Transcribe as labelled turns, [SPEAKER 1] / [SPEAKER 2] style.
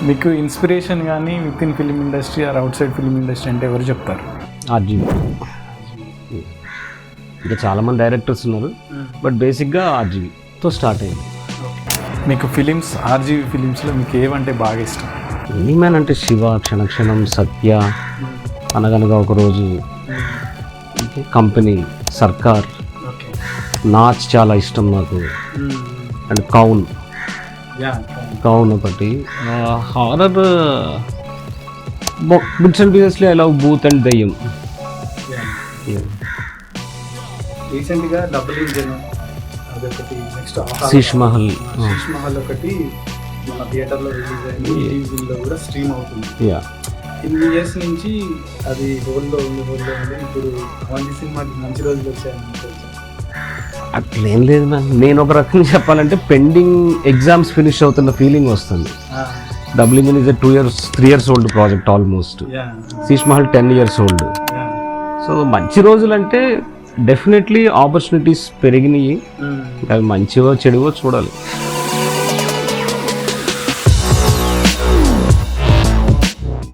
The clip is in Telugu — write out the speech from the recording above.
[SPEAKER 1] మీకు ఇన్స్పిరేషన్ కానీ with in film industry or outside film industry అంటే ఎవరు చెప్తారు?
[SPEAKER 2] ఆర్జీవి. ఇంకా చాలామంది డైరెక్టర్స్ ఉన్నారు, బట్ బేసిక్గా ఆర్జీవితో స్టార్ట్ అయింది.
[SPEAKER 1] మీకు ఫిలిమ్స్ ఆర్జీవి ఫిలిమ్స్లో మీకు ఏవంటే బాగా ఇష్టం?
[SPEAKER 2] ఎనీమ్యాన్ అంటే శివ, క్షణక్షణం, సత్య, అనగనగా ఒకరోజు, కంపెనీ, సర్కార్, నాచ్ చాలా ఇష్టం నాకు, అండ్ కౌన్ ఒకటి. హారర్ బిట్స్ అండ్ పీసెస్లో ఐ లవ్ బూత్ అండ్ దయ్యం.
[SPEAKER 1] రీసెంట్గా డబుల్ ఇంజన్ అదొకటి, నెక్స్ట్
[SPEAKER 2] శీష్ మహల్
[SPEAKER 1] ఒకటి మన థియేటర్లో రిలీజ్ అయింది, టీవీలో కూడా స్ట్రీమ్ అవుతుంది. ఇన్ని ఇయర్స్ నుంచి అది హోల్లో ఉంది. ఇప్పుడు అవన్నీ సినిమాకి మంచి రోజులు వచ్చాయని.
[SPEAKER 2] అట్లేం లేదు మ్యామ్, నేను ఒక రకంగా చెప్పాలంటే పెండింగ్ ఎగ్జామ్స్ ఫినిష్ అవుతున్న ఫీలింగ్ వస్తుంది. Double engine is 3 years old project almost. Sheesh Mahal 10 years old. So మంచి రోజులు అంటే డెఫినెట్లీ ఆపర్చునిటీస్ పెరిగినాయి, అవి మంచివో చెడువో చూడాలి.